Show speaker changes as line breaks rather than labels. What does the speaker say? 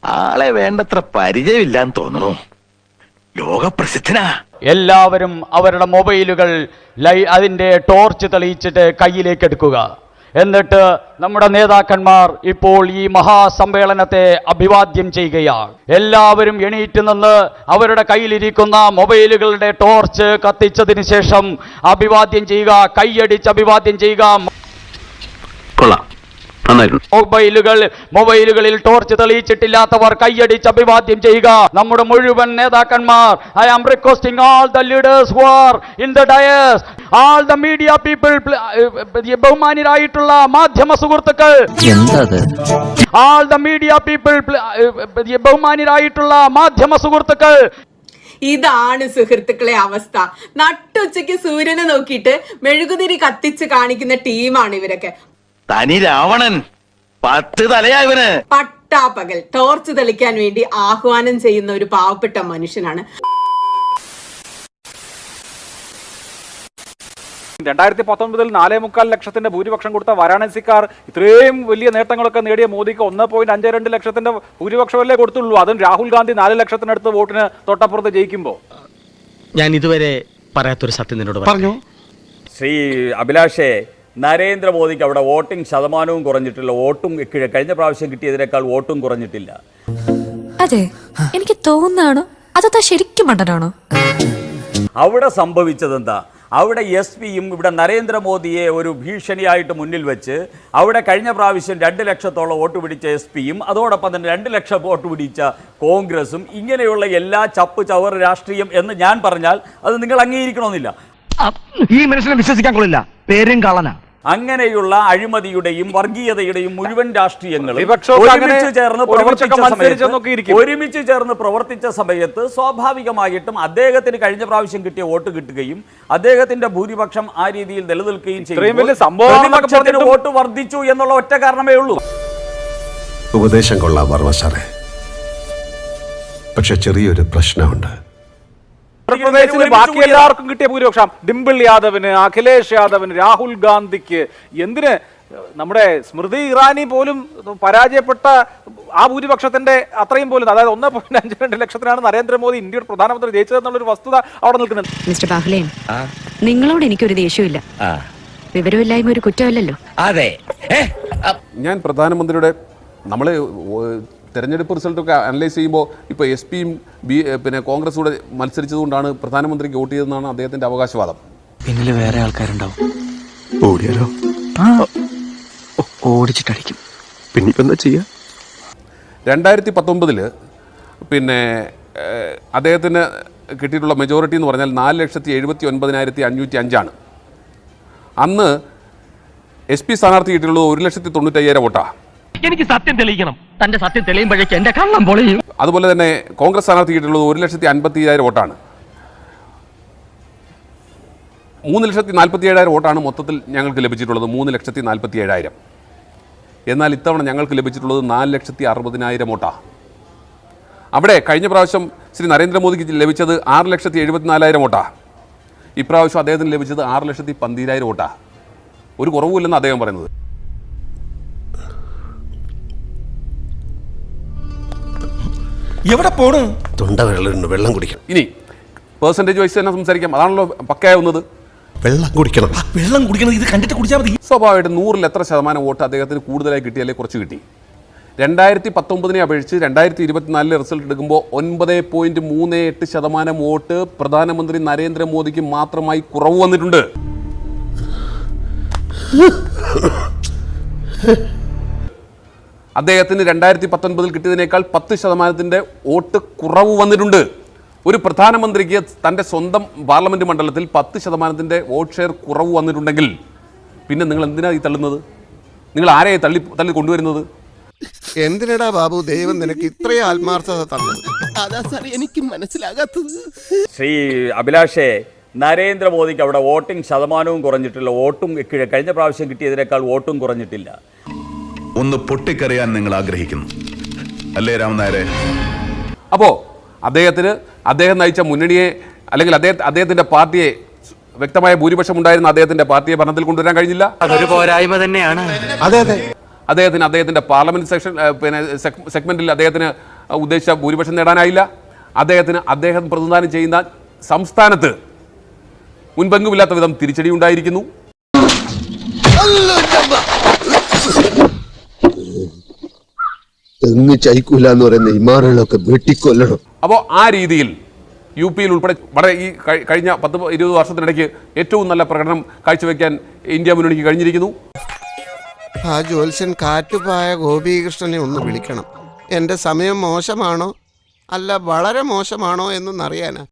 ആളെ വേണ്ടത്ര പരിചയമില്ലാന്ന് തോന്നുന്നു. ലോകപ്രസിദ്ധനാ.
എല്ലാവരും അവരുടെ മൊബൈലുകൾ അതിന്റെ ടോർച്ച് തെളിയിച്ചിട്ട് കയ്യിലേക്ക് എടുക്കുക. എന്നിട്ട് നമ്മുടെ നേതാക്കന്മാർ ഇപ്പോൾ ഈ മഹാസമ്മേളനത്തെ അഭിവാദ്യം ചെയ്യുകയാണ്. എല്ലാവരും എണീറ്റ് നിന്ന് അവരുടെ കയ്യിലിരിക്കുന്ന മൊബൈലുകളുടെ ടോർച്ച് കത്തിച്ചതിന് ശേഷം അഭിവാദ്യം ചെയ്യുക, കൈയടിച്ച് അഭിവാദ്യം ചെയ്യുക. മൊബൈലുകളിൽ ടോർച്ച് തെളിയിച്ചിട്ടില്ലാത്തവർ കൈയടിച്ച് അഭിവാദ്യം ചെയ്യുക. നമ്മുടെ മുഴുവൻ നേതാക്കന്മാർ, I am requesting all the leaders who are in the dais, all the media people, ബഹുമാന്യരായിട്ടുള്ള മാധ്യമ സുഹൃത്തുക്കൾ, all the media people, ബഹുമാന്യരായിട്ടുള്ള മാധ്യമ സുഹൃത്തുക്കൾ.
ഇതാണ് സുഹൃത്തുക്കളെ അവസ്ഥ. നട്ടുച്ചയ്ക്ക് സൂര്യനെ നോക്കിയിട്ട് മെഴുകുതിരി കത്തിച്ച് കാണിക്കുന്ന ടീമാണ് ഇവരൊക്കെ.
തനി രാവണൻ 10 തലയായവന്
പട്ടാപ്പകൽ ടോർച്ച് തെളിക്കാൻ വേണ്ടി ആഹ്വാനം ചെയ്യുന്ന ഒരു പാവപ്പെട്ട മനുഷ്യനാണ്.
2019 4.25 ലക്ഷത്തിന്റെ ഭൂരിപക്ഷം കൊടുത്ത വാരാണസിക്കാർ ഇത്രയും വലിയ നേട്ടങ്ങളൊക്കെ നേടിയ മോദിക്ക് 1.52 ലക്ഷത്തിന്റെ ഭൂരിപക്ഷമല്ലേ കൊടുത്തുള്ളൂ. അതും രാഹുൽ ഗാന്ധി 4 ലക്ഷത്തിനടുത്ത് വോട്ടിന് തൊട്ടപ്പുറത്ത് ജയിക്കുമ്പോൾ.
ഞാൻ ഇതുവരെ പറയാത്തൊരു സത്യം നിന്നോട് പറഞ്ഞു.
ശ്രീ അഭിലാഷേ, നരേന്ദ്രമോദിക്ക് അവിടെ വോട്ടിംഗ് ശതമാനവും കുറഞ്ഞിട്ടില്ല, വോട്ടും കഴിഞ്ഞ പ്രാവശ്യം കിട്ടിയതിനേക്കാൾ വോട്ടും കുറഞ്ഞിട്ടില്ല.
അതെ, എനിക്ക് തോന്നുന്നതാണോ അതോ ശരിക്കും മണ്ടനാണോ?
അവിടെ സംഭവിച്ചതെന്താ? അവിടെ എസ് പിയും ഇവിടെ നരേന്ദ്രമോദിയെ ഒരു ഭീഷണിയായിട്ട് മുന്നിൽ വെച്ച് അവിടെ കഴിഞ്ഞ പ്രാവശ്യം 2 ലക്ഷത്തോളം വോട്ട് പിടിച്ച എസ് പിയും അതോടൊപ്പം തന്നെ 2 ലക്ഷം വോട്ട് പിടിച്ച കോൺഗ്രസും, ഇങ്ങനെയുള്ള എല്ലാ ചപ്പ് ചവർ രാഷ്ട്രീയം എന്ന് ഞാൻ പറഞ്ഞാൽ അത് നിങ്ങൾ അംഗീകരിക്കണമെന്നില്ല.
ഈ മനുഷ്യനെ വിശ്വസിക്കാൻ കൊള്ളില്ല, പേരും കളനാ.
അങ്ങനെയുള്ള അഴിമതിയുടെയും വർഗീയതയുടെയും മുഴുവൻ രാഷ്ട്രീയങ്ങളും ഒരുമിച്ച് ചേർന്ന് പ്രവർത്തിച്ച സമയത്ത് സ്വാഭാവികമായിട്ടും അദ്ദേഹത്തിന് കഴിഞ്ഞ പ്രാവശ്യം കിട്ടിയ വോട്ട് കിട്ടുകയും അദ്ദേഹത്തിന്റെ ഭൂരിപക്ഷം ആ രീതിയിൽ നിലനിൽക്കുകയും ചെയ്യും. വോട്ട് വർദ്ധിച്ചു എന്നുള്ള ഒറ്റ കാരണമേ ഉള്ളൂ.
ഉപദേശം കൊള്ളാം വർമ്മ സാറേ, പക്ഷെ ചെറിയൊരു പ്രശ്നമുണ്ട്.
ബാക്കി എല്ലാവർക്കും കിട്ടിയ ഭൂരിപക്ഷം ഡിംപിൾ യാദവിന്, അഖിലേഷ് യാദവിന്, രാഹുൽ ഗാന്ധിക്ക്, എന്തിന് നമ്മുടെ സ്മൃതി ഇറാനി പോലും പരാജയപ്പെട്ട ആ ഭൂരിപക്ഷത്തിന്റെ അത്രയും പോലും, അതായത് 1.52 ലക്ഷത്തിനാണ് നരേന്ദ്രമോദി ഇന്ത്യയുടെ പ്രധാനമന്ത്രി ജയിച്ചതെന്നുള്ളൊരു വസ്തുത അവിടെ നിൽക്കുന്നുണ്ട്.
മിസ്റ്റർ ബാഹ്ലേൻ, നിങ്ങളോട് എനിക്കൊരു ദേഷ്യമില്ല. വിവരമില്ലായ്മ ഒരു കുറ്റമല്ലല്ലോ.
അതെ,
ഞാൻ പ്രധാനമന്ത്രിയുടെ നമ്മൾ തെരഞ്ഞെടുപ്പ് റിസൾട്ടൊക്കെ അനലൈസ് ചെയ്യുമ്പോൾ ഇപ്പോൾ എസ് പിയും പിന്നെ കോൺഗ്രസ് കൂടെ മത്സരിച്ചതുകൊണ്ടാണ് പ്രധാനമന്ത്രിക്ക് വോട്ട് ചെയ്തതെന്നാണ് അദ്ദേഹത്തിൻ്റെ അവകാശവാദം.
പിന്നിൽ വേറെ ആൾക്കാരുണ്ടാവും. ഓടിയാലോ? ഓടിച്ചിട്ടടിക്കും. പിന്നെ ഇപ്പം എന്താ ചെയ്യുക?
2019 പിന്നെ അദ്ദേഹത്തിന് കിട്ടിയിട്ടുള്ള മെജോറിറ്റി എന്ന് പറഞ്ഞാൽ 4,79,505 അന്ന് എസ് പി സ്ഥാനാർത്ഥി കിട്ടിയിട്ടുള്ളത് 1,95,000 വോട്ടാണ്.
എനിക്ക് സത്യം തെളിയിക്കണം. തന്റെ സത്യം തെളിയുമ്പോഴേക്ക് എന്റെ കള്ളം പൊളിയും.
അതുപോലെ തന്നെ കോൺഗ്രസ് സ്ഥാനാർത്ഥി കിട്ടിയിട്ടുള്ളത് 1,50,000 വോട്ടാണ്. 3,47,000 വോട്ടാണ് മൊത്തത്തിൽ ഞങ്ങൾക്ക് ലഭിച്ചിട്ടുള്ളത്. 3,47,000. എന്നാൽ ഇത്തവണ ഞങ്ങൾക്ക് ലഭിച്ചിട്ടുള്ളത് 4,60,000 വോട്ടാണ്. അവിടെ കഴിഞ്ഞ പ്രാവശ്യം ശ്രീ നരേന്ദ്രമോദിക്ക് ലഭിച്ചത് 6,74,000 വോട്ടാണ്. ഇപ്രാവശ്യം അദ്ദേഹത്തിന് ലഭിച്ചത് 6,12,000 വോട്ടാണ്. ഒരു കുറവുമില്ലെന്ന് അദ്ദേഹം പറയുന്നത്.
എവിടെ പോണു?
തൊണ്ട വെള്ളം കുടിക്കണം.
ഇനി പെർസെൻറ്റേജ് വൈസ് തന്നെ സംസാരിക്കാം. അതാണല്ലോ പക്കയാവുന്നത്.
വെള്ളം കുടിക്കണം.
ഇത് കണ്ടിട്ട് കുടിച്ചാൽ മതി.
സ്വാഭാവികമായിട്ടും 100-ൽ എത്ര ശതമാനം വോട്ട് അദ്ദേഹത്തിന് കൂടുതലായി കിട്ടിയാലേ കുറച്ച് കിട്ടി. 2019 അപേക്ഷിച്ച് 2024 റിസൾട്ട് എടുക്കുമ്പോൾ 9.38% വോട്ട് പ്രധാനമന്ത്രി നരേന്ദ്രമോദിക്ക് മാത്രമായി കുറവ് വന്നിട്ടുണ്ട്. അദ്ദേഹത്തിന് 2019 കിട്ടിയതിനേക്കാൾ 10% വോട്ട് കുറവ് വന്നിട്ടുണ്ട്. ഒരു പ്രധാനമന്ത്രിക്ക് തൻ്റെ സ്വന്തം പാർലമെൻറ്റ് മണ്ഡലത്തിൽ 10% വോട്ട് ഷെയർ കുറവ് വന്നിട്ടുണ്ടെങ്കിൽ പിന്നെ നിങ്ങൾ എന്തിനാണ് ഈ തള്ളുന്നത്? നിങ്ങൾ ആരെയെ തള്ളി കൊണ്ടുവരുന്നത്?
എന്തിനടാ ബാബു ദൈവം നിനക്ക് ഇത്രയും ആത്മാർത്ഥത തന്നത്? അതാ സാർ എനിക്ക് മനസ്സിലാകാത്തത്.
ശ്രീ അഭിലാഷേ, നരേന്ദ്രമോദിക്ക് അവിടെ വോട്ടിംഗ് ശതമാനവും കുറഞ്ഞിട്ടില്ല, വോട്ടും കഴിഞ്ഞ പ്രാവശ്യം കിട്ടിയതിനേക്കാൾ വോട്ടും കുറഞ്ഞിട്ടില്ല.
ഒന്ന് പൊട്ടിക്കറിയാൻ നിങ്ങൾ ആഗ്രഹിക്കുന്നു അല്ലേ രാമനായരെ?
അപ്പോൾ അദ്ദേഹം നയിച്ച മുന്നണിയെ അല്ലെങ്കിൽ അദ്ദേഹത്തിൻ്റെ പാർട്ടിയെ വ്യക്തമായ ഭൂരിപക്ഷം ഉണ്ടായിരുന്ന അദ്ദേഹത്തിൻ്റെ പാർട്ടിയെ ഭരണത്തിൽ കൊണ്ടുവരാൻ കഴിഞ്ഞില്ല.
അതൊരു പോരായ്മ തന്നെയാണ്.
അതെ അതെ,
അദ്ദേഹത്തിൻ്റെ പാർലമെന്റ് സെക്ഷൻ സെഗ്മെന്റിൽ അദ്ദേഹത്തിന് ഉദ്ദേശിച്ച ഭൂരിപക്ഷം നേടാനായില്ല. അദ്ദേഹം പ്രതിനിധാനം ചെയ്യുന്ന സംസ്ഥാനത്ത് മുൻപെങ്കുമില്ലാത്ത വിധം തിരിച്ചടി ഉണ്ടായിരിക്കുന്നു.
തെങ്ങ് ചൈക്കൂല എന്ന് പറയുന്ന ഇമാറുകളൊക്കെ വെട്ടിക്കൊല്ലണം.
അപ്പോൾ ആ രീതിയിൽ യു പിയിൽ ഉൾപ്പെടെ വളരെ ഈ കഴിഞ്ഞ 10-20 വർഷത്തിനിടയ്ക്ക് ഏറ്റവും നല്ല പ്രകടനം കാഴ്ചവെക്കാൻ ഇന്ത്യ മുന്നണിക്ക് കഴിഞ്ഞിരിക്കുന്നു.
ആ ജ്യോത്സ്യൻ കാറ്റുപായ ഗോപീകൃഷ്ണനെ ഒന്ന് വിളിക്കണം. എൻ്റെ സമയം മോശമാണോ അല്ല വളരെ മോശമാണോ എന്നൊന്നറിയാനാ.